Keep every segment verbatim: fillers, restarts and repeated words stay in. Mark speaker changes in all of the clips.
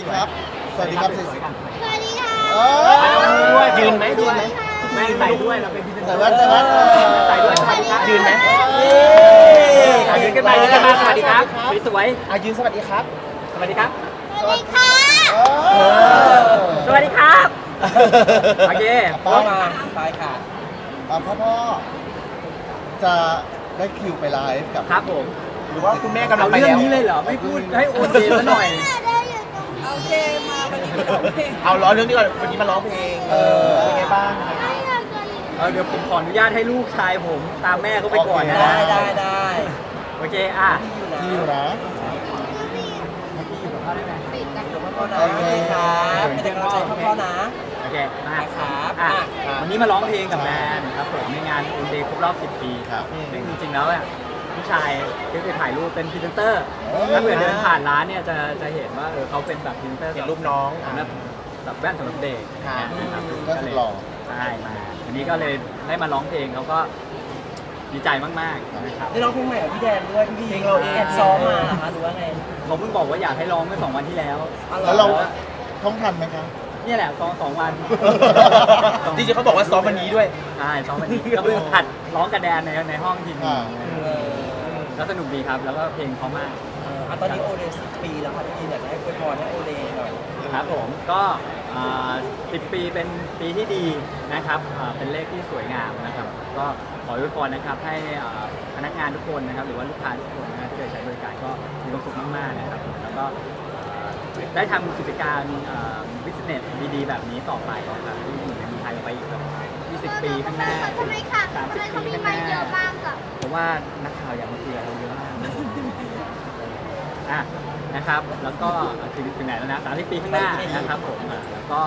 Speaker 1: ครับสวัสดีครับสวย
Speaker 2: สวัสดีค่ะ
Speaker 1: ๆเออ
Speaker 3: ยืนไหมยืนไหมแม่ใส่ด้วยเราเป็นพิธีก
Speaker 1: ใส่
Speaker 3: ร
Speaker 1: แว่นใส่แว่น
Speaker 3: ใส่ด้วยสวัสดีครับยืนไหม
Speaker 1: เย้
Speaker 3: อ่ะยืนกันมายืนกันมาสวัสดีครับสวย
Speaker 1: อ่ะยืนสวัสดีครับ
Speaker 3: ๆสวัสดีครับ
Speaker 2: สวัสดีค่ะ
Speaker 1: เออ
Speaker 3: สวัสดีครับโอเค
Speaker 1: ป้ามา
Speaker 4: ไปค่ะ
Speaker 1: อ่ะพ่อพ่อจะได้คิวไปไลฟ์กับ
Speaker 3: ครับผม
Speaker 1: หรือว่าคุณแม่กำลั
Speaker 3: เอา
Speaker 1: งไป
Speaker 3: เรื่อง
Speaker 1: แล้ว
Speaker 3: นี้เลยเหรอไม่พูดให้โอนเดนซะหน่อย
Speaker 2: ได้อยู่ตรงนี้
Speaker 4: โอเค มาวันนี้โอเค
Speaker 1: เอาล้อเรื่องนี้ก่อนวันนี้มาร้องเพลงเออเป็นไงบ้าง
Speaker 2: ไม่อยากจะอยู่
Speaker 3: เออเดี๋ยวผมขออนุญาตให้ลูกชายผมตามแม่เขาไปก่อนนะ
Speaker 4: ได้ได้ได้
Speaker 3: โอเคอ่ะ
Speaker 1: ที่อยู่นะ
Speaker 3: พี่อยู่กับพ่อได้ไหม
Speaker 4: ติดกับพ่อนะโอเคครับเป็นกำลังใจให้พ่อนะ
Speaker 3: โอเคมา
Speaker 4: ครับ
Speaker 3: อ่ะ
Speaker 4: อ่ะ
Speaker 3: วันนี้มาร้องเพลงกับแมนครับผมในงานอุนเดย์ครบรอบสิบปีครับซึ่งจริงๆแล้วอ่ะผู้ชายที่ไปถ่ายรูปเป็นพรีเซนเตอร์ถ้าเกิดเดินผ่านร้านเนี่ยจะจะเห็นว่าเออเขาเป็นแบบพรีเซนเตอร์
Speaker 1: เห็นรูปน้อง
Speaker 3: สำหรับแบบแว่นสำหรับเด็ก
Speaker 1: ครับ
Speaker 3: นะครับ
Speaker 1: ก็สุดหล่อ
Speaker 3: ใช่มาวันนี้ก็เลยได้มาร้องเพลงเขาก็ดีใจมากๆนะครับ
Speaker 4: ได้ร้องเพลงใหม่กับพี่แดนด้วยพี่เพลงเราแอบซ้อมมาเหรอคะหรือว่าไง
Speaker 3: เขาเพิ่งบอกว่าอยากให้ร้องเมื่อสองวันที่แล้ว
Speaker 1: แล้วเราท่องทันไหมครับ
Speaker 3: เนี่ยแหละซ้อมสองวัน
Speaker 1: จริงๆเขาบอกว่าซ้อมวันนี้ด้วย
Speaker 3: ใช่ซ้อมวันนี้ก็เพิ่งหัดร้องกระแดนในในห้องทีม
Speaker 1: อ่า
Speaker 4: เออ
Speaker 3: แล้วสนุกดีครับ แล้วก็เพลงเขามาก
Speaker 4: เอออ่ะตอนนี้โอเดย์สิบปีแล้วค่ะพี่อยากจะให้อวยพรให้โอเดย์หน่อย
Speaker 3: ครับผมก็สิบปีเป็นปีที่ดีนะครับอ่าเป็นเลขที่สวยงามนะครับ ก็ขออวยพรนะครับให้อ่าพนักงานทุกคนนะครับหรือว่าลูกค้าทุกคนนะที่เคยใช้บริการก็มีความสุขมากๆนะครับแล้วก็อ่าได้ทำกิจการบิสเนสดีๆ แบบนี้ต่อไปนะครับที่อยู่ในเมืองไทยไปอีกแบบยี่สิบปีข้างหน้า
Speaker 2: ทำไมค่ะ
Speaker 3: สาม
Speaker 2: ทำ
Speaker 3: สิบ
Speaker 2: ไมเขา
Speaker 3: ปี
Speaker 2: มี
Speaker 3: ข้าง
Speaker 2: ไม
Speaker 3: ห
Speaker 2: ค์เย
Speaker 3: น้า
Speaker 2: อะมากอะ
Speaker 3: เพราะว่านักข่าวอยากมาคุยกับเราเยอะมากอ่ะนะครับ แล้วก็ถึงถึงไหนแล้วนะสามสิบปีข้างหน้านะครับผมอ่ะแล้วก็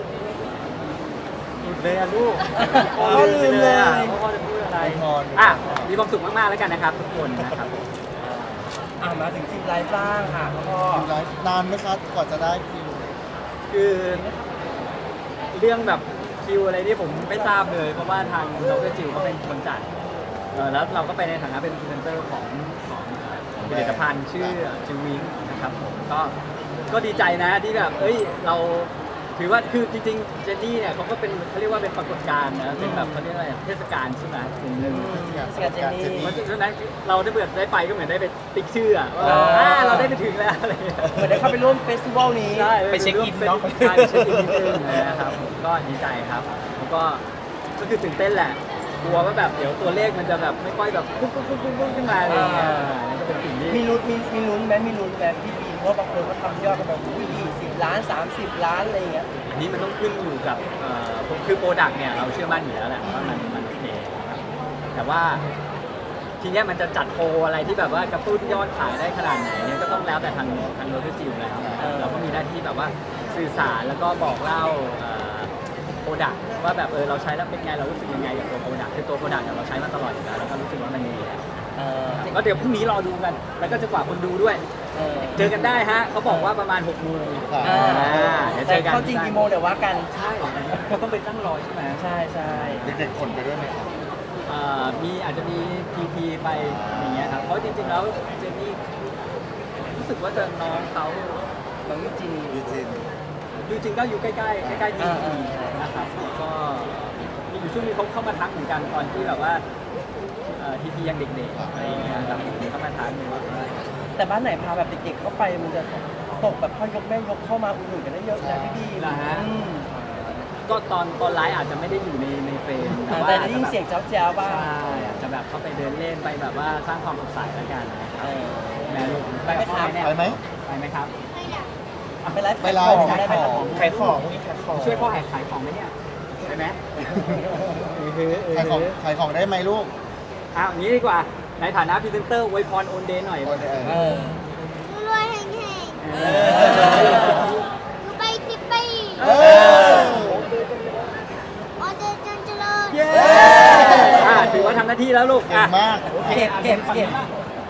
Speaker 3: หลุดเลยอะลูก
Speaker 4: พ่อลืมเลย
Speaker 3: อะพ่อจะพูดอะไร
Speaker 1: ไม่พอ
Speaker 3: อ่ะมีความสุขมากๆแล้วกันนะครับ ทุกคนนะครับ
Speaker 4: อ่ะมาถึงคิวไลฟ์บ้างค่ะพ่อ
Speaker 1: คิวไลฟ์นานไหมครับก่อนจะได้คิว
Speaker 3: คือเรื่องแบบคิวอะไรที่ผมไม่ทราบเลย เพราะว่าทางดรจิวเขาเป็นคนจัดเออแล้วเราก็ไปในฐานะเป็นพรีเซนเตอร์ของของผลิตภัณฑ์ชื่อจิววิงนะครับผมก็ก็ดีใจนะที่แบบเอ้ยเราถือว่าคือจริงๆเจนนี่เนี่ยเขาก็เป็นเขาเรียกว่าเป็นปรากฏการณ์นะเป็นแบบเขาเรียกอะไรเทศกาลใช่ไหมกลุ่มหนึ่ง เพราะฉะนั้นเราได้เปิดได้ไปก็เหมือนได้ไปติ๊กชื่ออะว่าอ่าเราได้ไปถึงแล้วอะไรอย่างเงี้ย
Speaker 4: เหมือนได้เข้าไปร่วมเฟสติวัลนี้
Speaker 3: ใช่
Speaker 1: ไปเช็คอินเนอะ
Speaker 3: ใช่ไปเช็คอินนิดนึงนะครับผมก็ดีใจครับแล้วก็ก็คือตื่นเต้นแหละกลัวว่าแบบเดี๋ยวตัวเลขมันจะแบบไม่ค่อยแบบปุ๊บปุ๊บปุ๊บปุ๊บปุ๊บขึ้นมาอะไรอย่างเงี้ยนั่นก็เป็นสิ่งที่
Speaker 4: มีลุ้นมีมีลุ้นไหมมีลุ้นแบบพี่บีเพราะบางคนก็ทำยอดกันแบบยี่สิบล้านสามสิบล้านอะไรอย่างเงี้ย
Speaker 3: อันนี้มันต้องขึ้นอยู่กับเอ่อคือโปรดักต์เนี่ยเราเชื่อมั่นอยู่แล้วแหละว่ามันมันโอเคนะครับแต่ว่าทีเนี้ยมันจะจัดโปรอะไรที่แบบว่ากระตุ้นยอดขายได้ขนาดไหนเนี่ยก็ต้องแล้วแต่ทางทางโลจิสติกส์แล้ว
Speaker 4: เออ
Speaker 3: เราก็มีหน้าที่แบบว่าสื่อสารแล้วก็บอกเล่าโปรดักต์ว่าแบบเออเราใช้แล้วเป็นไงเรารู้สึกยังไงกับตัวโปรดักต์คือตัวโปรดักต์เราใช้มาตลอดอยู่แล้วแล้วก็รู้สึกว่ามันดีแล้ว
Speaker 4: เออ
Speaker 3: ก็เดี๋ยวพรุ่งนี้รอดูกัน แล้วก็จะกว่าคนดูด้วย
Speaker 4: เออ
Speaker 3: เจอกันได้ฮะเขาบอกว่าประมาณหกโมง
Speaker 1: ครับ
Speaker 4: อ่า
Speaker 3: เดี๋ยวเจ
Speaker 4: แต่
Speaker 3: อกัน
Speaker 4: เข้าจริงกี่โมงเดี๋ยวว่ากัน
Speaker 3: ใช่เขาต้องไปตั้งรอใช่ไหม
Speaker 4: ใช่ใช่
Speaker 1: เด็กๆคนไปด้วยไหมครับ
Speaker 3: เอ่อมีอาจจะมีพีพีไปอย่างเงี้ยครับ เพราะจริงๆแล้วเจนนี่รู้สึกว่าจะน้องเขา
Speaker 4: น้องยูจี
Speaker 1: ยูจิน
Speaker 3: จริงๆก็อยู่ใกล้ๆใกล้ๆพี
Speaker 4: อ่า
Speaker 3: พี
Speaker 4: อ่า
Speaker 3: นะครับก็มีอยู่ช่วงนึงเขาเข้ามาทักเหมือนกันตอนที่แบบว่าพีพียังเด็กๆอะไรอย่างเงี้ยครับเขามาทักเลยว่า
Speaker 4: แต่บ้านไหนพาแบบเด็กๆเข้าไปมันจะตกแบบพ่อยกแม่ยกเข้ามาอุ่นหนุนกันได้เยอะนะพี่บี
Speaker 3: เหรอฮะ
Speaker 4: อืม
Speaker 3: ก็ตอนตอนไลฟ์อาจจะไม่ได้อยู่ในในเฟรมแต่ว่า
Speaker 4: แต่ได้ยินเสียงเจ้าแจ้วบ้าง
Speaker 3: ใช่อาจจะแบบเข้าไปเดินเล่นไปแบบว่าสร้างความสดใสแล้วกันนะครับ
Speaker 4: เออ
Speaker 3: แม่ลูก
Speaker 4: ไปไหมครับ
Speaker 3: เนี่ย
Speaker 1: ไปไหม
Speaker 3: ไปไหมครับ
Speaker 2: ไม่อยาก
Speaker 4: ไปไลฟ์
Speaker 1: ไปไลฟ์
Speaker 4: ขาย
Speaker 1: ขาย
Speaker 4: ของ
Speaker 1: ของ
Speaker 4: ได้ไหม
Speaker 1: ขายของพวกนี้ขายของ
Speaker 3: ช่วยพ่อแหกขายของไหมเนี่ยได้ไหม
Speaker 1: ขายของขายของได้ไหมลูก
Speaker 3: อ้าวอย่างนี้ดีกว่าในฐานะพรีเซนเตอร์อวยพรโอนเดย์หน่อย
Speaker 1: โอนเดย์
Speaker 4: เออ
Speaker 2: รวยๆแห่ง
Speaker 3: เอ
Speaker 2: ๆดูไปสิบปี
Speaker 1: เออ
Speaker 2: ออเดอร์จันเจริญ
Speaker 3: เย้อ่าถือว่าทำหน้าที่แล้วลูก
Speaker 1: เก่งมาก
Speaker 4: เก็บเก็บเก็บ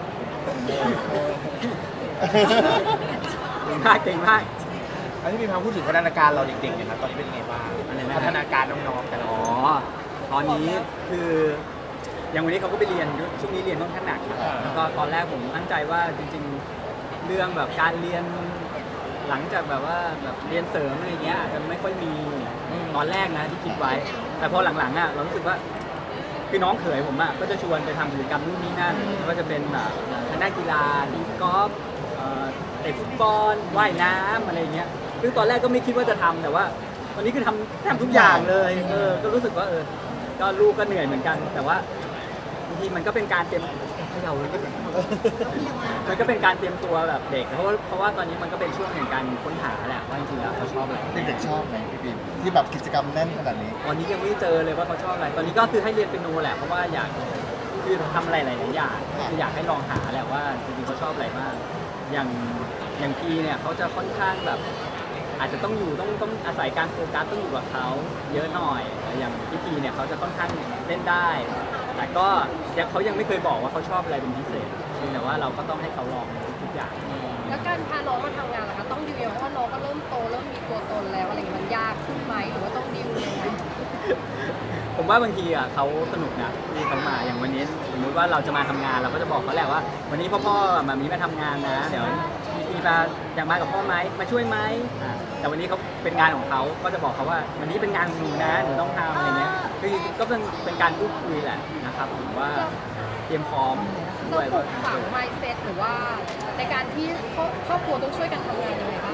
Speaker 3: เก่งมากเก่งมาก
Speaker 5: อันนี้มีความพูดถึงพัฒนาการเราเด็กๆเนี่ยครับตอนนี้เป็นยังไงบ้าง
Speaker 3: อะไรนะ
Speaker 5: พัฒนาการน้องๆแต่ละ
Speaker 3: อ๋อ ตอนนี้คืออย่างวันนี้เขาก็ไปเรียนช่วงนี้เรียนค่อนข้างหนักครับแล้วก็ตอนแรกผมตั้งใจว่าจริงๆ เรื่องแบบการเรียนหลังจากแบบว่าแบบเรียนเสริมอะไรเงี้ยอาจจะไม่ค่อยมีตอนแรกนะที่คิดไว้ แต่พอหลังๆอ่ะเรารู้สึกว่าคือน้องเขยผมอ่ะก็จะชวนไปทำกิจกรรมนู่นนี่นั่นไม่ว่าจะเป็นแบบทางด้านกีฬาตีกอล์ฟเอ่อเตะฟุตบอลว่ายน้ำอะไรเงี้ยคือตอนแรกก็ไม่คิดว่าจะทำแต่ว่าวันนี้คือทำทำทุกอย่างเลยเออก็รู้สึกว่าเออก็ลูกก็เหนื่อยเหมือนกัน แต่ว่าบางทีมันก็เป็นการเตรียมเขย่าเลยก็มันก็เป็นการเตรียมตัวแบบเด็กเพราะว่าเพราะว่าตอนนี้มันก็เป็นช่วงแห่งการค้นหาแหละว่าจริงๆแล้วเขาชอบอะไร
Speaker 1: เด็กๆชอบไหมพี่บีมที่แบบกิจกรรมแน่นขนาดนี้
Speaker 3: ตอนนี้ยังไม่เจอเลยว่าเขาชอบอะไร ตอนนี้ก็คือให้เรียนเปียโนแหละ เพราะว่าอยากคือทำอะไรหลายๆอย่างคืออยากให้ลองหาแหละว่าจริงๆเขาชอบอะไรบ้างอย่างอย่างพีเนี่ยเขาจะค่อนข้างแบบ อาจจะต้องอยู่ต้องต้องอาศัยการโฟกัสต้องอยู่กับเขาเยอะหน่อยอย่างพี่พีเนี่ยเขาจะค่อนข้างเล่นได้ แต่ก็ยังเขายังไม่เคยบอกว่าเขาชอบอะไรเป็นพิเศษเพียงแต่ว่าเราก็ต้องให้เขาลองทุกอย่าง
Speaker 6: แล้วการพาน้องมาทำงานล่ะคะต้องดิวยังไงเพราะว่าน้องก็เริ่มโตเริ่มมีตัวตนแล้วอะไรอย่างเงี้ยมันยากขึ้นไหมหรือว่าต้องดิวยังไง
Speaker 3: ผมว่าบางทีอ่ะเขาสนุกนะที่เขามาอย่างวันนี้สมมติว่าเราจะมาทำงานเราก็จะบอกเขาแหละว่า วันนี้พ่อพ่อมามีมาทำงานนะเดี๋ยวมีมาอยากมากับพ่อไหมมาช่วยไหมอ่าแต่วันนี้เขาเป็นงานของเขาก็จะบอกเขาว่าวันนี้เป็นงานของหนูนะหนูต้องทำอะไรเงี้ยคือก็เป็นเป็นการพูดคุยแหละนะครับผมว่าเตรียมพร้อมด้
Speaker 6: เรา
Speaker 3: วย
Speaker 6: ปลูกฝัง mindset หรือว่าในการที่ครอบครอบครัวต้องช่วยกันทำงานยังไงบ้าง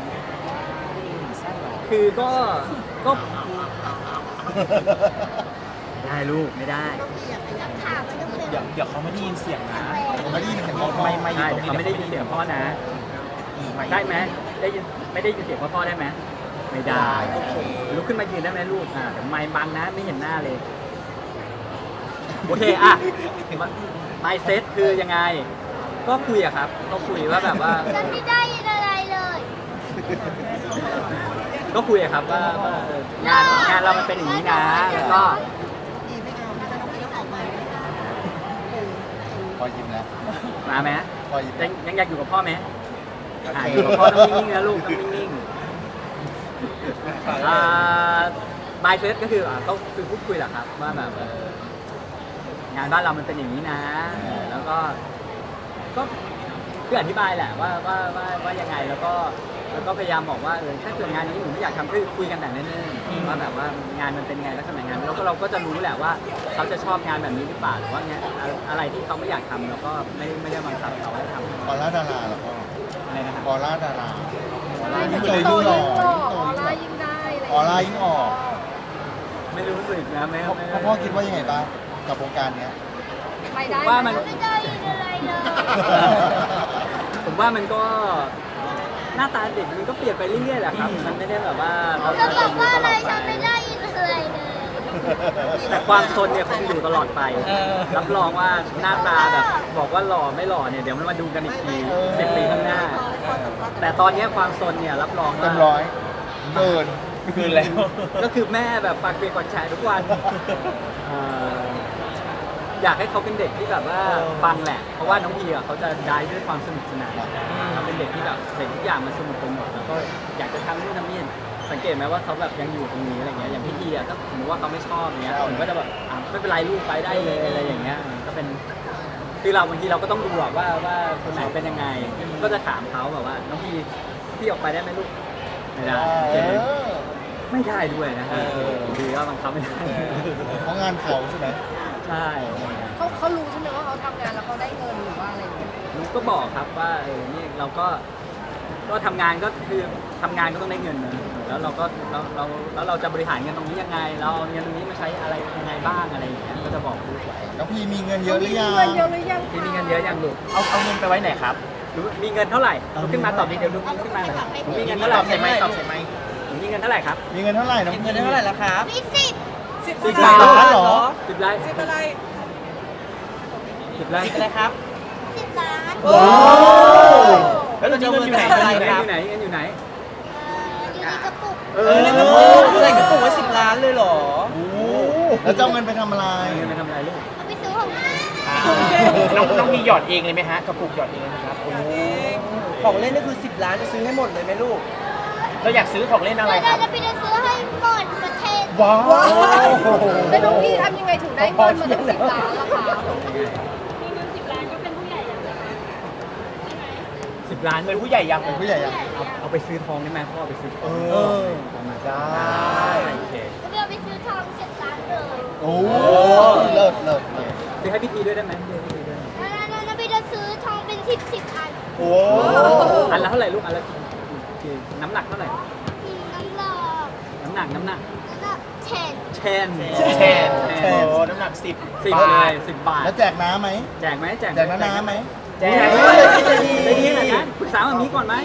Speaker 3: คือก็ก็ได้ลูกไม่ได้
Speaker 2: ถามมันต้องเป็น
Speaker 5: เดี๋ยวเดี๋ยวเขาไม่ได้ยินเสียงนะ
Speaker 1: ผมไม่ได้ยินเสียงพ่อ
Speaker 5: ไม่ไม่
Speaker 3: ใช่แต่เขาไม่ได้ยินเสียงพ่อนะ ได้ไหมได้ยินไม่ได้ยินเสียงพ่อพ่อได้ไหมไม่ได้
Speaker 5: โอเค
Speaker 3: ลุกขึ้นมายืนได้ไหมลูกอ่าเดี๋ยวไม้บังนะไม่เห็นหน้าเลยโอเคอ่ะไมเซ็ตคือยังไง ก็คุยอะครับก็คุยว่าแบบว่า
Speaker 2: ฉันไม่ได้ยินอะไรเลย
Speaker 3: ก็คุยอะครับว่าว่างานงานเรามันเป็นอย่างนี้นะแล้วก็
Speaker 1: พอยิ้มแล้ว
Speaker 3: มาไหม
Speaker 1: พอยิ้ม
Speaker 3: ยังยังอยากอยู่กับพ่อไหม
Speaker 1: โอ
Speaker 3: อ่ะ
Speaker 1: เค
Speaker 3: อยู่กับพ่อต้องนิ่งๆนะลูกต้องนิ่งๆอ่าบายเฟสก็คืออ่ะก็คือพูดคุยแหละครับว่าแบบเอองานบ้านเรามันเป็นอย่างนี้นะเออแล้วก็ก็คืออธิบายแหละว่าว่าว่าว่ายังไงแล้วก็แล้วก็พยายามบอกว่าเออถ้าเกิดงานนี้หนูไม่อยากทำคือคุยกันแต่เนิ่นๆว่าแบบว่างานมันเป็นไงลักษณะงานแล้วก็เราก็จะรู้แหละว่าเขาจะชอบงานแบบนี้หรือเปล่าหรือว่างานอะไรที่เขาไม่อยากทำเราก็ไม่ไม่ได้บังคับเขาให้ทำ
Speaker 1: ออร่าดาราเหรอพ่อ
Speaker 3: อะไรนะครับ
Speaker 1: ออร่าดารา
Speaker 6: ยิ่ง
Speaker 1: ยิ่ง
Speaker 6: โต
Speaker 1: โต
Speaker 6: ยิ่
Speaker 1: ยิ่
Speaker 6: ง
Speaker 1: ง
Speaker 6: ห
Speaker 1: ห
Speaker 6: ล่
Speaker 1: ล่
Speaker 6: อ
Speaker 1: อ
Speaker 6: ออร่ายิ่งได้อะไร
Speaker 1: ออร่ายิ่งออก
Speaker 3: ไม่รู้สึกนะไม่
Speaker 1: พ่อ
Speaker 3: ไม่
Speaker 1: พ่อพ่อคิดว่ายังไงบ้างกับวงการเนี้ย
Speaker 6: ไปได้
Speaker 3: ว่ามัน
Speaker 2: ไม่ได้ยินอะไรเลย
Speaker 3: ผมว่ามันก็หน้าตาเด็กมันก็เปลี่ยนไปเรื่อยๆแหละครับ มันไม่ได้แบบว่าเรา
Speaker 2: เธอ
Speaker 3: จะ
Speaker 2: บ
Speaker 3: อ
Speaker 2: อก
Speaker 3: ยู่
Speaker 2: ว่า
Speaker 3: ต
Speaker 2: อะไร
Speaker 3: ลอดไป
Speaker 2: ฉันไม่ได้ยินอะไรเลย
Speaker 3: แต่ความซนเนี่ยคงอยู่ตลอดไป รับรองว่าหน้าตาแบบบอกว่าหล่อไม่หล่อเนี่ยเดี๋ยวมันมาดูกันอีกทีสิบปีข้างหน้า แต่ตอนนี้ความซนเนี่ยรับรอง
Speaker 1: เต็
Speaker 3: ว่าม
Speaker 1: ร้อยเกิน
Speaker 5: คืนแล้ว
Speaker 3: ก็คือแม่แบบปากเปียกปากแฉะทุกวันเอ่ออยากให้เขาเป็นเด็กที่แบบว่าฟังแหละ เพราะว่าน้องพีอ่ะเขาจะได้ด้วยความสนุกสนานเขาเป็นเด็กที่แบบเด็กทุกอย่างมันสนุกไปหมดแล้วก็อยากจะทำนู่นทำนี่สังเกตไหมว่าเขาแบบยังอยู่ตรงนี้อะไรเงี้ยอย่างพี่พีอ่ะถ้าสมมติว่าเขาไม่ชอบเงี้ยผมก็จะแบบอ่ะไม่เป็นไรลูกไปได้เลยอะไรอย่างเงี้ยก็เป็นคือเราบางทีเราก็ต้องดูอะว่าว่าคนไหนเป็นยังไง ก็จะถามเขาแบบว่าน้องพีพี่ออกไปได้ไหมลูกไม่ได้
Speaker 1: เออ
Speaker 3: ไม่ได้ด้วยนะฮะดีก็บังคับไม่ได้
Speaker 1: เพราะงานเขาใช่ไหม
Speaker 3: ใช่
Speaker 6: เขาเขารู้ใช่ไหมว่าเขาทำงานแล้วเขาได้เงินหรือว่าอะไรอย่างเงี้ย
Speaker 3: ลูกก็บอกครับว่าเออนี่เราก็ก็ทำงานก็คือทำงานก็ต้องได้เงินนะแล้วเราก็เราเราแล้วเราจะบริหารเงินตรงนี้ยังไง เราเอาเงินตรงนี้มาใช้อะไรยังไงบ้างอะไรอย่างเงี้ยก็จะบอกลูกไว้
Speaker 1: น้องพีมีเงินเยอะหรือยัง
Speaker 6: มีเงินเยอะหรือยัง
Speaker 3: ที่มีเงินเยอะยังลูก
Speaker 5: เอาเอาเงินไปไว้ไหนครับ
Speaker 3: รู้มีเงินเท่าไหร่ลุกขึ้นมาตอบดิเดี๋ยวลุกขึ้นมาหน่อยหนูมีเงินเท่าไห
Speaker 5: ต
Speaker 3: ร่
Speaker 5: อบใส่ไหมตอบใส่ไหม
Speaker 3: หนูมีเงินเท่าไหร่ครับ
Speaker 1: มีเงินเท่าไหร่น้อง
Speaker 4: เก็บ
Speaker 1: พี
Speaker 4: เงินได้เท่าไหร่แล้วครับ
Speaker 2: มีสิบ
Speaker 4: สิบ
Speaker 1: สิบล้านเหรอ
Speaker 3: สิบไร่
Speaker 4: สิบอะไร
Speaker 3: สิบไร่
Speaker 4: สิบอะไรครับ
Speaker 2: สิบล้าน
Speaker 4: โอ้
Speaker 5: แล้วเราจะเอาเงินอยู่ไหน
Speaker 4: อะไร
Speaker 3: เงิน
Speaker 4: ครับ
Speaker 3: อยู่ไหนเงินอยู่ไหน
Speaker 2: เอ่ออยู่ในกระปุก
Speaker 3: เอ
Speaker 4: เออในกระปุกใส่กระปุกไว้สิบล้านเลยเหรอ
Speaker 1: โอ้แล้วจะเอาเงินไปทำอะไร
Speaker 3: เอาเงินไปทำอะไรลูก
Speaker 2: เอาไปซื้อของเล่น
Speaker 5: อ่าน้องน้องมีหยอดเองเลยไหมฮะกระปุกหยอดเองเลยนะครับโอ้โห
Speaker 4: ของเล่นนี่คือสิบล้านจะซื้อให้หมดเลยไหมลูก
Speaker 5: เราอยากซื้อของเล่นอะไร
Speaker 2: แล้ว
Speaker 5: ค
Speaker 2: เรา
Speaker 5: รับ
Speaker 2: จะไปซื้อให้หมดประเทศ
Speaker 1: ว้าว
Speaker 6: แล้วน้องพี่ทำยังไงถึงได้เงินมาถึงสิบล้านล่ะคะ
Speaker 3: สิสิบล้าน
Speaker 5: เป็นผู้ใหญ่ยัง
Speaker 1: เป็นผู้ใหญ่ยัง
Speaker 3: เอาเอาไปซื้อทองได้ไหมพ่อเอาไปซื้อทอง
Speaker 1: เออ
Speaker 5: ได้
Speaker 3: โอเค
Speaker 2: เดี๋ยวไปซื้อทองเสร็จร้านเลย
Speaker 1: โอ้เลิศเลิศเลิศ
Speaker 3: ซื้อให้พี่ทีด้วยได้ไหมซื้อให้พี่ทีด้วย
Speaker 2: แล้วแล้วแล้วไปจะซื้อทองเป็นสิบสิบอัน
Speaker 1: โอ้
Speaker 3: อันละเท่าไหร่ลูกอันละกี่น้ำหนักเท่าไหร่
Speaker 2: อืมน้ำหลอก
Speaker 3: น้ำหนักน้ำหนัก
Speaker 2: แล้วก็แฉน
Speaker 3: แชน
Speaker 5: แชนโอ้น้ำหนักสิบ
Speaker 3: สิบบ
Speaker 5: า
Speaker 3: เล
Speaker 5: ท
Speaker 3: ยสิบบาท
Speaker 1: แล้วแจกน้ำไหม
Speaker 3: แจกไหมแจก
Speaker 1: แจกน้ำน้ำไหม
Speaker 5: แจก
Speaker 3: ได้ดีได้ดีนะปรึกษาแบบนี้ก่อนไหม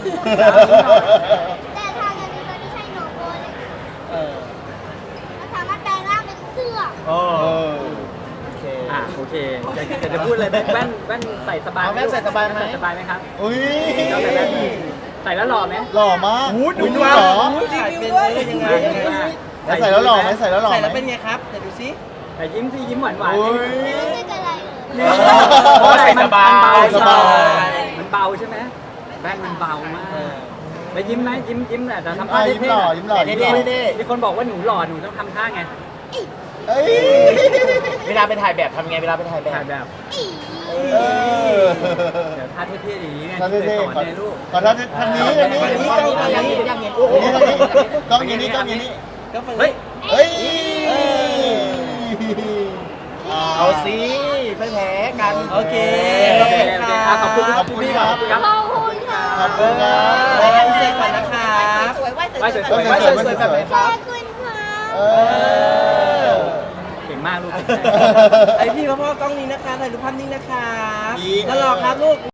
Speaker 2: แต่ทางอันนี้มันไม่ใช่โนโกเลย
Speaker 4: เออ
Speaker 2: มันสามารถแปลงร่างเป็นเสื้อ
Speaker 5: โอ้
Speaker 1: เออ
Speaker 5: โอเค
Speaker 3: อ่ะโอเคอยากอยากจะพูดเลยแว่นแว่นแว่นใส่สบาย
Speaker 5: เอาแว่นใส่สบายไหม
Speaker 3: ใส่สบายไหมครับ
Speaker 1: อุ้ย
Speaker 3: เราใส่แว่นใส่แล้วหล่อไหม
Speaker 1: หล่อมาก
Speaker 5: อู้ดู
Speaker 1: อุ๊ย
Speaker 5: ว่า
Speaker 1: เหรอ
Speaker 4: ขายเป็นเลยยังไงยังไง
Speaker 1: แล้วใส่แล้วหล่อไหมใส่แล้วหล่อ
Speaker 4: ใส่
Speaker 1: ไหม
Speaker 4: แล้วเป็นไงครับเดี๋ยวดูซิ
Speaker 3: แต่ยิ้มที่ยิ้มหวานหวาน
Speaker 1: โอ้ย
Speaker 2: ไม่รู้สึกอะไรเลย
Speaker 5: เพราะว่าใส่สบาย
Speaker 1: สบาย
Speaker 3: มันเบาใช่ไหมแว่นมันเบามากแล้วยิ้มไหมยิ้มยิ้มแหละแต่ทำ
Speaker 1: อ่ะ
Speaker 3: ท่า
Speaker 1: ยิ้ม
Speaker 3: เท่
Speaker 1: หล่อ
Speaker 3: ๆ
Speaker 1: ยิ้มหล่อยิ้มหล่อ
Speaker 3: มีคนบอกว่าหนูหล่อหนูต้องทำท่าไง
Speaker 1: เอ้ย
Speaker 5: เวลาไปถ่ายแบบทำไงเวลาไปถ่ายแบ
Speaker 3: ถ่า
Speaker 5: บ
Speaker 3: ยแบบ
Speaker 2: อี
Speaker 1: เออ
Speaker 3: เดี๋ยวท่าเท่ๆอย่างนี้ไง
Speaker 1: ท่า
Speaker 3: ที่เคย
Speaker 1: เท่
Speaker 3: ส
Speaker 1: ๆ
Speaker 3: อน
Speaker 1: ขอ
Speaker 3: ในลูก
Speaker 1: ขอท่าทางนี้ทางนี้
Speaker 4: อันนี้
Speaker 1: ทางนี้
Speaker 4: กล้อง
Speaker 1: ทาง
Speaker 4: นี้
Speaker 1: นี้
Speaker 4: ยังเห็น
Speaker 1: โอ้โหกล้องอย่างนี้กล้องอย่างนี้
Speaker 4: ก็ฟัง
Speaker 3: เฮ้ย
Speaker 1: เฮ้ย
Speaker 5: เอาสิไม่แพ้กัน
Speaker 4: โอเค
Speaker 3: โอเคโอเคอ่ะขอบคุณ
Speaker 1: ขอบคุณครับ
Speaker 3: ขอบคุณครับ
Speaker 2: ขอบคุณค่ะ
Speaker 1: ขอบคุณครับ
Speaker 4: ไปกันเสร็จก่อนนะครับ
Speaker 3: ไหว้สวยๆ
Speaker 1: ไหว้
Speaker 3: ไหว้
Speaker 1: ส
Speaker 3: ส
Speaker 1: ว
Speaker 3: วย ย
Speaker 1: ๆ
Speaker 3: ๆแบบไหน
Speaker 2: ข
Speaker 3: ครับ
Speaker 2: อบคุณค่ะ
Speaker 1: เออ
Speaker 3: เก่งมากลูก
Speaker 4: ไอพี่พ่อพ่อกล้องนี้นะคะถ่ายรูปภาพนิ่งนะครับ
Speaker 1: ดีครับ
Speaker 4: แล้วรอครับลูก